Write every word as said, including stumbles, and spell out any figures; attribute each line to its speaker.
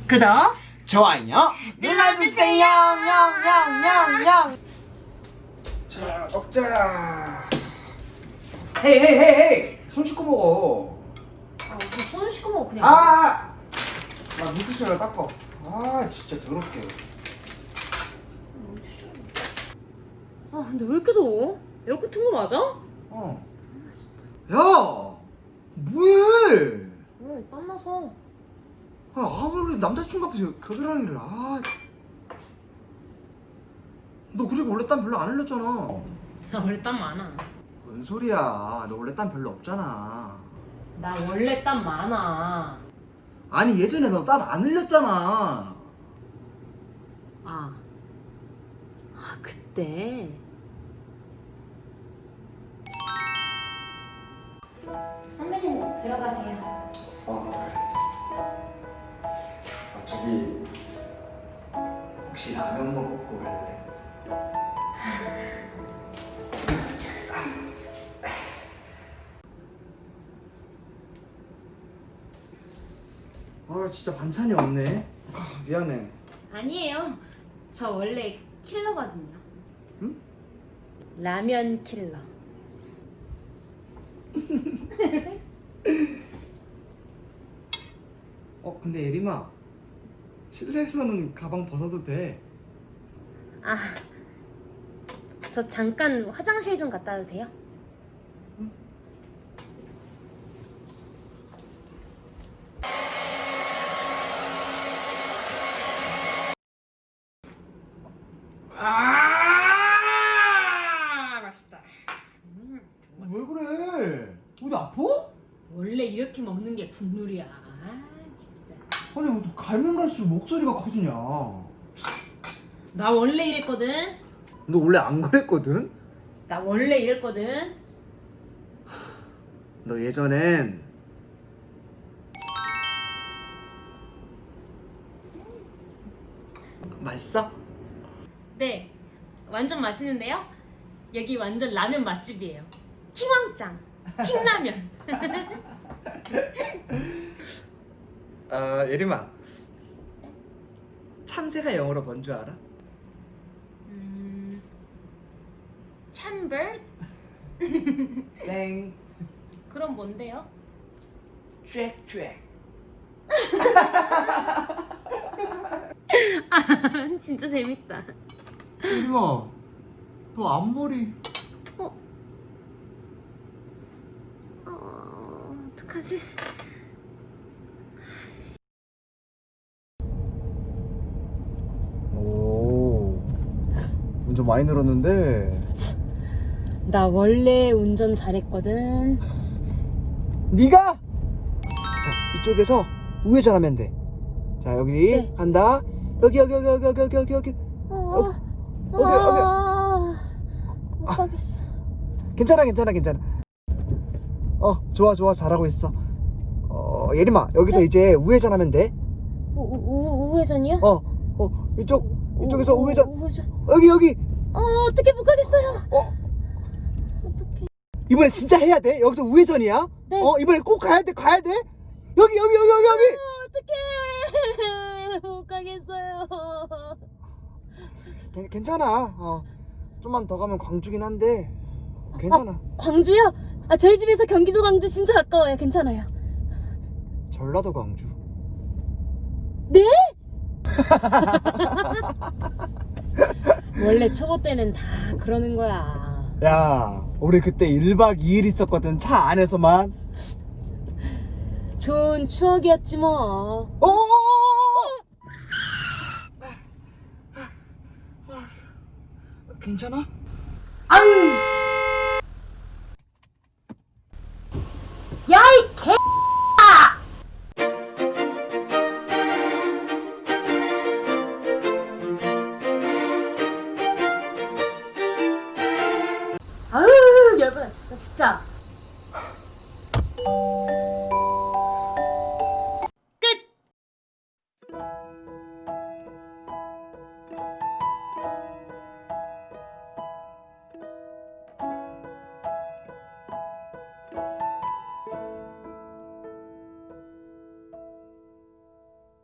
Speaker 1: 구독,
Speaker 2: 좋아요
Speaker 1: 눌러주세요.
Speaker 2: 냥냥냥냥냥. 자, 먹자. 헤이 헤이 헤이 헤이. 손 씻고 먹어.
Speaker 1: 아, 손 씻고 먹어 그냥.
Speaker 2: 아, 나 물티슈를 닦어. 아, 진짜 더럽게.
Speaker 1: 아, 근데 왜 이렇게 더워? 에어컨 튼 거 맞아?
Speaker 2: 어. 야, 뭐해?
Speaker 1: 왜 땀나서.
Speaker 2: 아, 아무리 남자친구 앞에서 겨드랑이를. 아, 너 그리고 원래 땀 별로 안 흘렸잖아.
Speaker 1: 나 원래 땀 많아.
Speaker 2: 뭔 소리야? 너 원래 땀 별로 없잖아.
Speaker 1: 나 원래 땀 많아.
Speaker 2: 아니, 예전에 너 땀 안 흘렸잖아.
Speaker 1: 아, 아 그때. 선배님 들어가세요.
Speaker 2: 어, 그래. 아, 저기 혹시 라면 먹고 갈래? 아, 진짜 반찬이 없네. 아, 미안해.
Speaker 1: 아니에요. 저 원래 킬러거든요.
Speaker 2: 응?
Speaker 1: 라면 킬러.
Speaker 2: 어, 근데 예림아, 실내에서는 가방 벗어도 돼.
Speaker 1: 아, 저 잠깐 화장실 좀 갔다 와도 돼요?
Speaker 2: 응?
Speaker 1: 아, 맛있다. 음, 좋아.
Speaker 2: 왜 그래? 어디 아파?
Speaker 1: 원래 이렇게 먹는 게 국룰이야. 아, 진짜.
Speaker 2: 아니, 뭐 갈면 갈수록 목소리가 커지냐?
Speaker 1: 나 원래 이랬거든.
Speaker 2: 너 원래 안 그랬거든?
Speaker 1: 나 원래 이랬거든.
Speaker 2: 너 예전엔 맛있어?
Speaker 1: 네, 완전 맛있는데요? 여기 완전 라면 맛집이에요. 킹왕짱, 킹라면.
Speaker 2: 아, 예림아, 참새가 영어로 뭔 줄 알아?
Speaker 1: 음, 참버드?
Speaker 2: 땡.
Speaker 1: 그럼 뭔데요?
Speaker 2: 쬐쬐.
Speaker 1: 아, 진짜 재밌다.
Speaker 2: 예림아, 너 앞머리.
Speaker 1: 어? 어, 어떡하지?
Speaker 2: 오, 운전 많이 늘었는데.
Speaker 1: 나 원래 운전 잘했거든.
Speaker 2: 네가? 자, 이쪽에서 우회전하면 돼. 자, 여기
Speaker 1: 네.
Speaker 2: 간다. 여기 여기 여기 여기 여기 여기 여기 여기.
Speaker 1: 어,
Speaker 2: 여기, 여기.
Speaker 1: 아, 못 가겠어.
Speaker 2: 괜찮아 괜찮아 괜찮아. 어, 좋아 좋아, 잘하고 있어. 어, 예림아, 여기서
Speaker 1: 네?
Speaker 2: 이제 우회전하면 돼.
Speaker 1: 우, 우, 우, 우회전이요?
Speaker 2: 어, 어, 이쪽 이쪽에서
Speaker 1: 우,
Speaker 2: 우회전.
Speaker 1: 우회전.
Speaker 2: 여기 여기.
Speaker 1: 어, 어떻게 못 가겠어요?
Speaker 2: 어,
Speaker 1: 어떡해.
Speaker 2: 이번에 진짜 해야 돼. 여기서 우회전이야.
Speaker 1: 네.
Speaker 2: 어, 이번에 꼭 가야 돼 가야 돼. 여기 여기 여기 여기 여기.
Speaker 1: 어떡해. 못 가겠어요.
Speaker 2: 괜- 괜찮아. 어, 좀만 더 가면 광주긴 한데 괜찮아.
Speaker 1: 아, 광주요? 아, 저희 집에서 경기도 광주 진짜 가까워요. 괜찮아요.
Speaker 2: 전라도 광주.
Speaker 1: 네? 원래 초보 때는 다 그러는 거야.
Speaker 2: 야, 우리 그때 일박 이일 있었거든, 차 안에서만.
Speaker 1: 좋은 추억이었지 뭐.
Speaker 2: 오! 괜찮아?
Speaker 1: 아이씨. 야, 이 개. 아유, 열받아. 나 진짜.